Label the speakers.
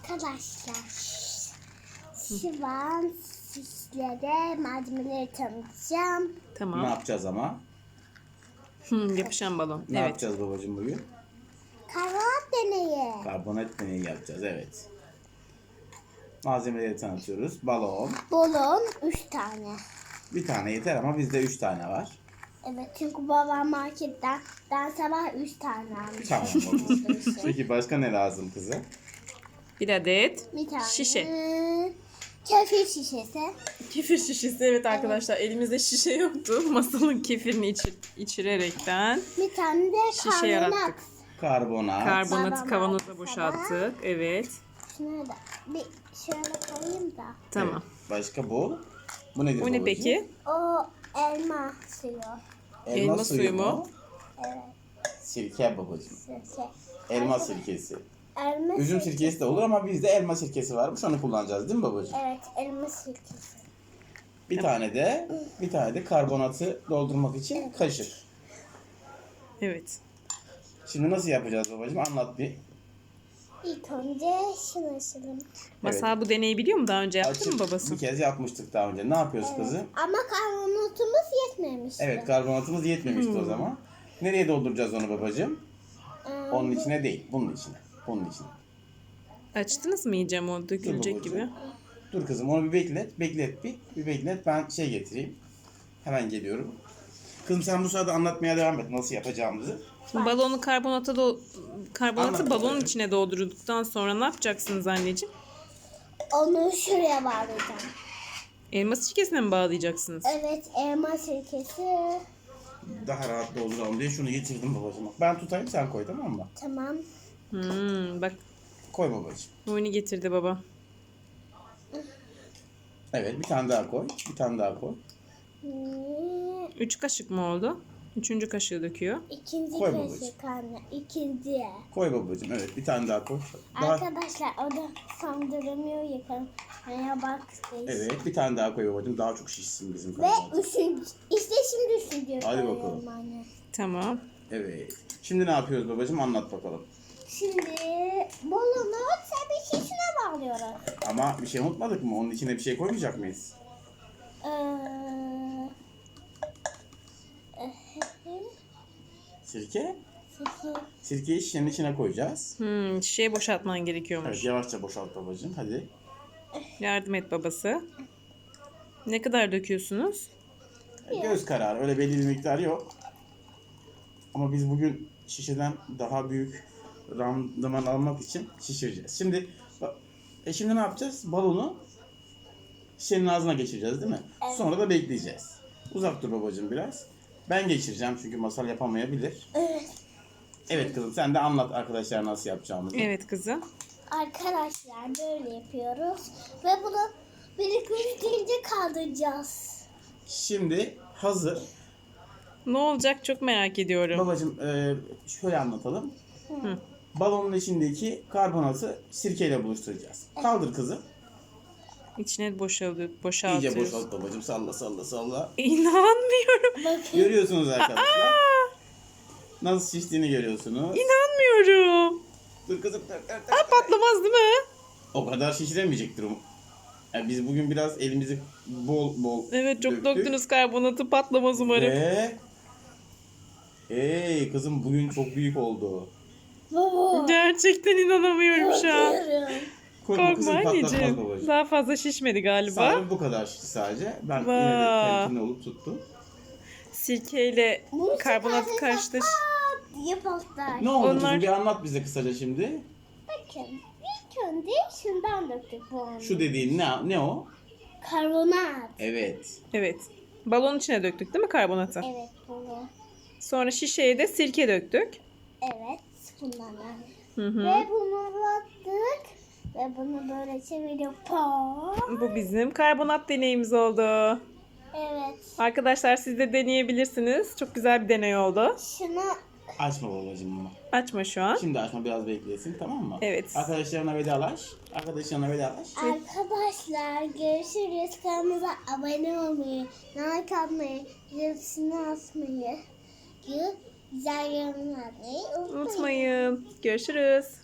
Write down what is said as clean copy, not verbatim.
Speaker 1: Arkadaşlar şu an sizlere malzemeleri tanıtacağım.
Speaker 2: Ne
Speaker 3: Tamam.
Speaker 2: yapacağız ama?
Speaker 3: Yapışan balon.
Speaker 2: Ne
Speaker 3: Evet.
Speaker 2: yapacağız babacığım bugün?
Speaker 1: Karbonat deneyi.
Speaker 2: Karbonat deneyi yapacağız, evet. Malzemeleri tanıtıyoruz. Balon.
Speaker 1: Balon 3 tane.
Speaker 2: Bir tane yeter ama bizde 3 tane var.
Speaker 1: Evet çünkü babam marketten sabah 3 tane almış.
Speaker 2: Tamam babacığım. Peki başka ne lazım kızım?
Speaker 3: Bir adet
Speaker 1: Bir tane
Speaker 3: şişe.
Speaker 1: kefir şişesi.
Speaker 3: Kefir şişesi. Evet arkadaşlar, elimizde şişe yoktu. Masalın kefirini içirerekten
Speaker 1: Bir tane de
Speaker 3: şişe
Speaker 1: karbonat.
Speaker 3: yarattık.
Speaker 2: Karbonat.
Speaker 3: Karbonatı
Speaker 1: Babam
Speaker 3: kavanoza
Speaker 1: aldı
Speaker 3: boşalttık. Evet.
Speaker 1: Şunu da bir şöyle koyayım da.
Speaker 3: Tamam.
Speaker 2: Evet. Başka bu? Bu nedir
Speaker 3: O ne
Speaker 2: babacığım?
Speaker 3: peki?
Speaker 1: O elma suyu.
Speaker 3: Elma suyu mu?
Speaker 1: Evet.
Speaker 2: Sirke babacığım.
Speaker 1: Sirke.
Speaker 2: Elma sirkesi.
Speaker 1: Elma
Speaker 2: Üzüm
Speaker 1: sirkesi.
Speaker 2: sirkesi de olur ama bizde elma sirkesi varmış. Onu kullanacağız değil mi babacığım?
Speaker 1: Evet, elma sirkesi.
Speaker 2: Bir tane de karbonatı doldurmak için kaşık.
Speaker 3: Evet.
Speaker 2: Şimdi nasıl yapacağız babacığım? Anlat bir.
Speaker 1: İlk önce şunu açalım.
Speaker 3: Masal bu deneyi biliyor mu? Daha önce yaptı mı
Speaker 2: Açıp
Speaker 3: babası?
Speaker 2: bir kez yapmıştık daha önce. Ne yapıyoruz kızım?
Speaker 1: Ama karbonatımız yetmemişti.
Speaker 2: Evet, karbonatımız yetmemişti o zaman. Nereye dolduracağız onu babacığım? Onun içine değil, bunun içine. Bunun içine.
Speaker 3: Açtınız mı iyice o dökülecek
Speaker 2: babacığım.
Speaker 3: gibi?
Speaker 2: Dur kızım, onu bir beklet. Bir beklet. Ben getireyim. Hemen geliyorum. Kızım sen bu sırada anlatmaya devam et nasıl yapacağımızı.
Speaker 3: Şimdi balonu karbonatı
Speaker 2: Anlat
Speaker 3: balonun
Speaker 2: babacığım.
Speaker 3: içine doldurduktan sonra ne yapacaksınız anneciğim?
Speaker 1: Onu şuraya bağlayacağım.
Speaker 3: Elma sirkesine mi bağlayacaksınız?
Speaker 1: Evet, elma sirkesi.
Speaker 2: Daha rahat dolduralım diye şunu getirdim babacığım. Ben tutayım, sen koy, tamam mı?
Speaker 1: Tamam.
Speaker 3: Bak
Speaker 2: Koy babacığım.
Speaker 3: oyunu getirdi baba.
Speaker 2: Evet, bir tane daha koy. Bir tane daha koy.
Speaker 3: 3 kaşık mı oldu? 3. kaşığı döküyor.
Speaker 1: İkinci
Speaker 2: Koy
Speaker 1: kaşık anne. İkinci.
Speaker 2: Koy babacığım, evet. Bir tane daha koy. Daha...
Speaker 1: Arkadaşlar o da sandıramıyor yakalım. bak.
Speaker 2: Evet, bir tane daha koy babacığım. Daha çok şişsin bizim
Speaker 1: Ve
Speaker 2: karbonat.
Speaker 1: üçüncü. İşte şimdi üçüncü.
Speaker 2: Hadi
Speaker 1: koyuyorum
Speaker 2: bakalım.
Speaker 1: Anne.
Speaker 3: Tamam.
Speaker 2: Evet. Şimdi ne yapıyoruz babacığım? Anlat bakalım.
Speaker 1: Şimdi balonu tabii şişine bağlıyoruz.
Speaker 2: Ama bir şey unutmadık mı? Onun içine bir şey koymayacak mıyız? Sirke?
Speaker 1: Sirke.
Speaker 2: Sirkeyi şişenin içine koyacağız.
Speaker 3: Şişeyi boşaltman gerekiyormuş.
Speaker 2: Evet, yavaşça boşalt babacığım. Hadi.
Speaker 3: Yardım et babası. Ne kadar döküyorsunuz?
Speaker 2: Göz kararı. Öyle belli bir miktar yok. Ama biz bugün şişeden daha büyük randıman almak için şişireceğiz. Şimdi şimdi ne yapacağız? Balonu şişenin ağzına geçireceğiz değil mi?
Speaker 1: Evet.
Speaker 2: Sonra da bekleyeceğiz. Uzak dur babacığım biraz. Ben geçireceğim çünkü Masal yapamayabilir.
Speaker 1: Evet.
Speaker 2: Evet kızım, sen de anlat arkadaşlar nasıl yapacağımızı.
Speaker 3: Evet kızım.
Speaker 1: Arkadaşlar böyle yapıyoruz. Ve bunu biriktirince kaldıracağız.
Speaker 2: Şimdi hazır.
Speaker 3: Ne olacak çok merak ediyorum.
Speaker 2: Babacığım şöyle anlatalım. Balonun içindeki karbonatı sirkeyle buluşturacağız. Kaldır kızım.
Speaker 3: İçine boşaltıyoruz.
Speaker 2: İyice boşalt babacığım. Salla salla salla.
Speaker 3: İnanmıyorum.
Speaker 1: Bakın.
Speaker 2: Görüyorsunuz arkadaşlar. Nasıl şiştiğini görüyorsunuz.
Speaker 3: İnanmıyorum.
Speaker 2: Dur kızım. Dur.
Speaker 3: Patlamaz değil mi?
Speaker 2: O kadar şişiremeyecektir. Yani biz bugün biraz elimizi bol
Speaker 3: Evet, çok
Speaker 2: döktük.
Speaker 3: döktünüz karbonatı, patlamaz umarım.
Speaker 2: Ve... Hey kızım, bugün çok büyük oldu.
Speaker 1: Baba.
Speaker 3: Gerçekten inanamıyorum şu an.
Speaker 1: Korkuyorum.
Speaker 2: Korkma
Speaker 3: Korkma
Speaker 2: kızım, patlatmaz
Speaker 3: anneciğim.
Speaker 2: babacığım.
Speaker 3: Daha fazla şişmedi galiba.
Speaker 2: Sadece bu kadar şişti sadece. Ben yine de
Speaker 3: Vay.
Speaker 2: temkinli olup tuttum.
Speaker 3: Sirkeyle
Speaker 1: Bunu
Speaker 3: karbonat
Speaker 1: çıkarırsak
Speaker 3: karıştır.
Speaker 1: diye patlar.
Speaker 2: Ne oldu
Speaker 3: Onlar-
Speaker 2: kızım, bir anlat bize kısaca şimdi.
Speaker 1: Bakın ilk önce şundan döktük bu onu.
Speaker 2: Şu dediğin ne o?
Speaker 1: Karbonat.
Speaker 2: Evet.
Speaker 3: Evet. Balonun içine döktük değil mi karbonatı?
Speaker 1: Evet bunu.
Speaker 3: Sonra şişeye de sirke döktük.
Speaker 1: Evet bundan.
Speaker 3: Hı hı.
Speaker 1: Ve bunu battık. Ve bunu böyle çeviriyor.
Speaker 3: Bu bizim karbonat deneyimiz oldu.
Speaker 1: Evet.
Speaker 3: Arkadaşlar siz de deneyebilirsiniz. Çok güzel bir deney oldu.
Speaker 1: Şunu
Speaker 2: Açma babacığım bunu.
Speaker 3: Açma şu an.
Speaker 2: Şimdi açma, biraz beklesin, tamam mı?
Speaker 3: Evet.
Speaker 2: Arkadaşlarına vedalaş.
Speaker 1: arkadaşlar görüşürüz. Kanalımıza abone olmayı, like atmayı, zilini atmayı, güzel yorumlar atmayı unutmayın.
Speaker 3: Unutmayın. Görüşürüz.